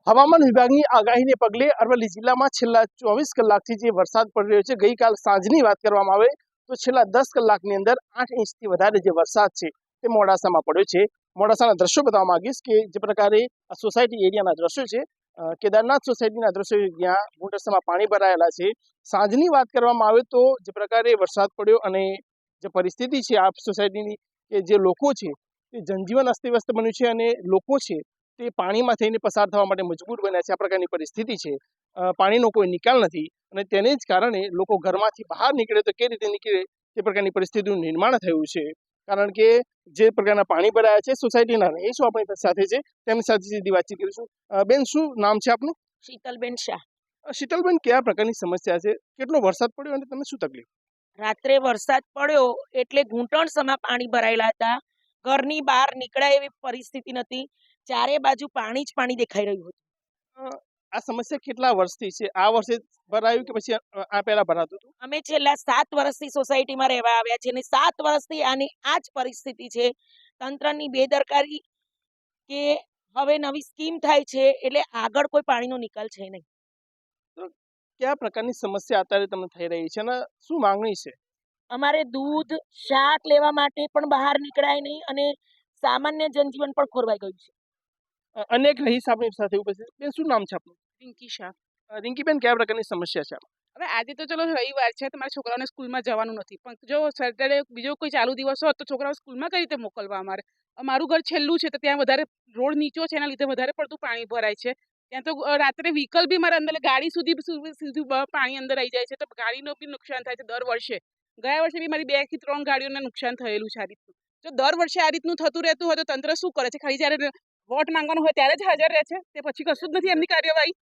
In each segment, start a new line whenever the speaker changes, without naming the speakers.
હવામાન વિભાગની આગાહીને પગલે અરવલ્લી જિલ્લામાં છેલ્લા 24 કલાકથી જે વરસાદ પડી રહ્યો છે, ગઈકાલ સાંજની વાત કરવામાં આવે તો છેલ્લા 10 કલાકની અંદર 8 ઇંચથી વધારે જે વરસાદ છે તે મોડાસામાં પડ્યો છે. મોડાસાના દ્રશ્યો બતાવવા માંગીશ કે જે પ્રકારે આ સોસાયટી એરિયાના દ્રશ્યો છે, કેદારનાથ સોસાયટીના દ્રશ્યો જ્યાં મોડાસામાં પાણી ભરાયેલા છે. સાંજની વાત કરવામાં આવે તો જે પ્રકારે વરસાદ પડ્યો અને જે પરિસ્થિતિ છે આ સોસાયટીની, કે જે લોકો છે તે જનજીવન અસ્તવ્યસ્ત બન્યું છે અને લોકો છે તે પાણીમાં થઈને પસાર થવા માટે મજબૂર બન્યા છે. આ પ્રકારની પરિસ્થિતિ છે. પાણીનો કોઈ નિકાલ નથી અને તેને જ કારણે લોકો ઘરમાંથી બહાર નીકળે તો કઈ રીતે નીકળે તે પ્રકારની પરિસ્થિતિનું નિર્માણ થયું છે. કારણ કે જે પ્રકારના પાણી ભરાયા છે, સોસાયટીના રહીશો આપણી સાથે છે, તેમની સાથે સીધી વાતચીત કરીશું. બેન, શું નામ છે આપનું?
શીતલબેન શાહ.
શીતલબેન, કયા પ્રકારની સમસ્યા છે? કેટલો વરસાદ પડ્યો અને તમને શું તકલીફ?
રાત્રે વરસાદ પડ્યો એટલે ઘૂંટણ સમા પાણી ભરાયેલા હતા. ઘરની બહાર નીકળાય એવી પરિસ્થિતિ નથી. ચારે બાજુ પાણી જ પાણી દેખાઈ રહ્યું હતું.
આ સમસ્યા કેટલા વર્ષથી છે? આ વર્ષે ભરાયું કે પછી આ પહેલા ભરાતું હતું?
અમે છેલ્લા 7 વર્ષથી સોસાયટીમાં રહેવા આવ્યા છીએ અને 7 વર્ષથી આની આ જ પરિસ્થિતિ છે. તંત્રની બેદરકારી કે હવે નવી સ્કીમ થાય છે એટલે આગળ કોઈ પાણીનો નિકાલ છે નહીં.
તો કયા પ્રકારની સમસ્યા અત્યારે તમને થઈ રહી છે અને શું માંગણી છે?
અમારે દૂધ, શાક લેવા માટે પણ બહાર નીકળાય નહીં અને સામાન્ય જનજીવન પણ ખોરવાઈ ગયું છે.
અનેક રહીશ આપણી સાથે ઉપસ્થિત. બેન, શું નામ છે આપનું?
પિંકી શાહ.
રિંકીબેન, કયા પ્રકારની સમસ્યા છે?
હવે આજે તો ચલો રવિવાર છે, તમારા છોકરાઓને સ્કૂલમાં જવાનું નથી, પણ જો સેટરડે બીજો કોઈ ચાલુ દિવસ હોત તો છોકરાઓ સ્કૂલમાં કઈ રીતે મોકલવા? અમારું ઘર છેલ્લું છે તો ત્યાં વધારે રોડ નીચો છે, એના લીધે વધારે પડતું પાણી ભરાય છે. ત્યાં તો રાત્રે વ્હીકલ બી મારા અંદર ગાડી સુધી પાણી અંદર આવી જાય છે, તો ગાડીનું બી નુકસાન થાય છે દર વર્ષે. ગયા વર્ષે બી મારી 2 થી 3 ગાડીઓને નુકસાન થયેલું છે આ રીતનું. જો દર વર્ષે આ રીતનું થતું રહેતું હોય તો તંત્ર શું કરે છે? ખાલી જ્યારે વોટ માંગવાનું હોય ત્યારે જ હાજર રહે છે, તે પછી કશું જ નથી એમની કાર્યવાહી.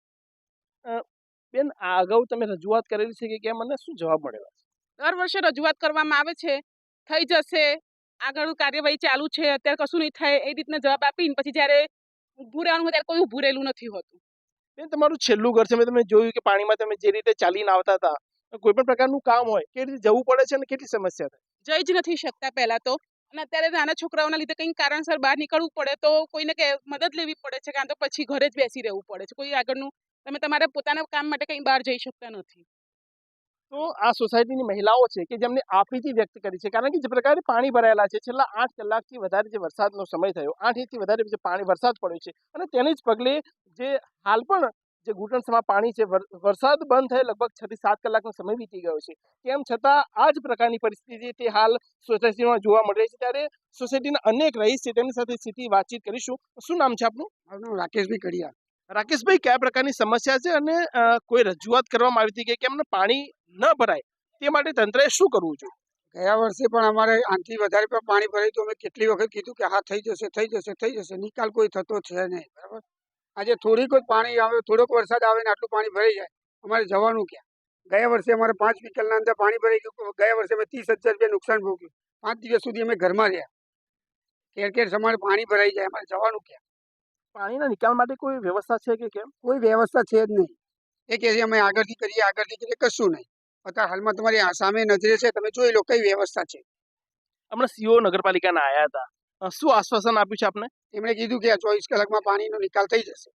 બેન, આ અગાઉ તમે રજૂઆત કરેલી છે કે કેમ, મને શું જવાબ મળેલો?
દર વર્ષે રજૂઆત કરવામાં આવે છે, થઈ જશે, આગળ કાર્યવાહી ચાલુ છે, અત્યારે કશું નહીં થાય એ રીતના જવાબ આપીને પછી જ્યારે ઊભું રહેવાનું હોય ત્યારે કોઈ ઊભું રહેલું નથી હોતું.
બેન, તમારું છેલ્લું ઘર છે, મેં તમે જોયું કે પાણીમાં તમે જે રીતે ચાલીને આવતા હતા, કોઈ પણ પ્રકારનું કામ હોય કે રીતે જવું પડે છે અને કેટલી સમસ્યા થાય?
જઈ જ નથી શકતા પહેલા તો, અને અત્યારે નાના છોકરાઓના લીધે કંઈક કારણસર બહાર નીકળવું પડે તો કોઈને મદદ લેવી પડે છે, કાં તો પછી ઘરે જ બેસી રહેવું પડે છે. કોઈ આગળનું તમે તમારા પોતાના કામ માટે કંઈ બહાર જઈ શકતા નથી.
તો આ સોસાયટીની મહિલાઓ છે કે જેમને આપવીતી વ્યક્ત કરી છે, કારણ કે જે પ્રકારે પાણી ભરાયેલા છે, છેલ્લા 8 કલાકથી વધારે જે વરસાદનો સમય થયો, 8 ઇંચથી વધારે જે વરસાદ પડ્યો છે અને તેને જ પગલે જે હાલ પણ જે ઘૂંટણસમાં પાણી છે, વરસાદ બંધ થયે લગભગ 6 થી 7 કલાકનો સમય વીતી ગયો છે. તેમ છતાં આ જ પ્રકારની પરિસ્થિતિ તે હાલ સોસાયટીમાં જોવા મળી રહી છે. ત્યારે સોસાયટીના અનેક રહીશ છે, તેમની સાથે સીધી વાતચીત કરીશું. શું નામ છે આપનું?
મારું નામ રાકેશભાઈ કડિયા.
રાકેશભાઈ, કયા પ્રકારની સમસ્યા છે અને કોઈ રજૂઆત કરવામાં આવી હતી કે કેમ પાણી ન ભરાય તે માટે તંત્રએ શું કરવું જોઈએ?
ગયા વર્ષે પણ અમારે આનાથી વધારે પણ પાણી ભરાયું તો અમે કેટલી વખત કીધું કે હા થઈ જશે થઈ જશે થઈ જશે, નિકાલ કોઈ થતો છે નહીં. બરાબર, આજે થોડીક જ પાણી આવે, થોડોક વરસાદ આવે ને આટલું પાણી ભરાઈ જાય, અમારે જવાનું ક્યાં? ગયા વર્ષે અમારે 5 વ્હીકલના અંદર પાણી ભરાઈ ગયું. ગયા વર્ષે અમે 30,000 રૂપિયા નુકસાન ભોગ્યું. 5 દિવસ સુધી અમે ઘરમાં રહ્યા. કેર કેર અમારે પાણી ભરાઈ જાય, અમારે જવાનું ક્યાં?
પાણીના નિકાલ માટે કોઈ વ્યવસ્થા છે કે કેમ?
કોઈ વ્યવસ્થા છે જ નહીં. એ કહે છે અમે આગળથી કરીએ, કશું નહીં. અત્યારે હાલમાં તમારી સામે નજરે છે, તમે જોઈ લો કઈ વ્યવસ્થા છે.
હમણાં સીઓ નગરપાલિકાના આવ્યા હતા, શું આશ્વાસન આપ્યું છે આપને?
એમણે કીધું કે આ 24 કલાકમાં પાણીનો નિકાલ થઈ જશે.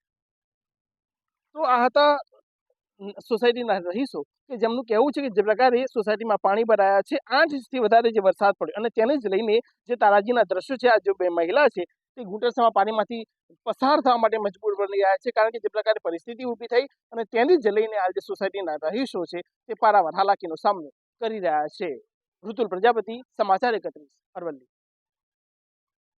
તો આ હતા સોસાયટીના રહીશો કે જેમનું કહેવું છે કે જે પ્રકારે સોસાયટીમાં પાણી ભરાયા છે, 8 ઇંચથી વધારે જે વરસાદ પડ્યો અને તેને જ લઈને જે તારાજીના દ્રશ્યો છે, આ જે બે મહિલા છે તે ઘૂંટણસમાં પાણીમાંથી પસાર થવા માટે મજબૂર બની રહ્યા છે, કારણ કે જે પ્રકારે પરિસ્થિતિ ઊભી થઈ અને તેને જ લઈને આ જે સોસાયટીના રહીશો છે તે પારાવાર હાલાકીનો સામનો કરી રહ્યા છે. ઋતુલ પ્રજાપતિ, સમાચાર 31, અરવલ્લી.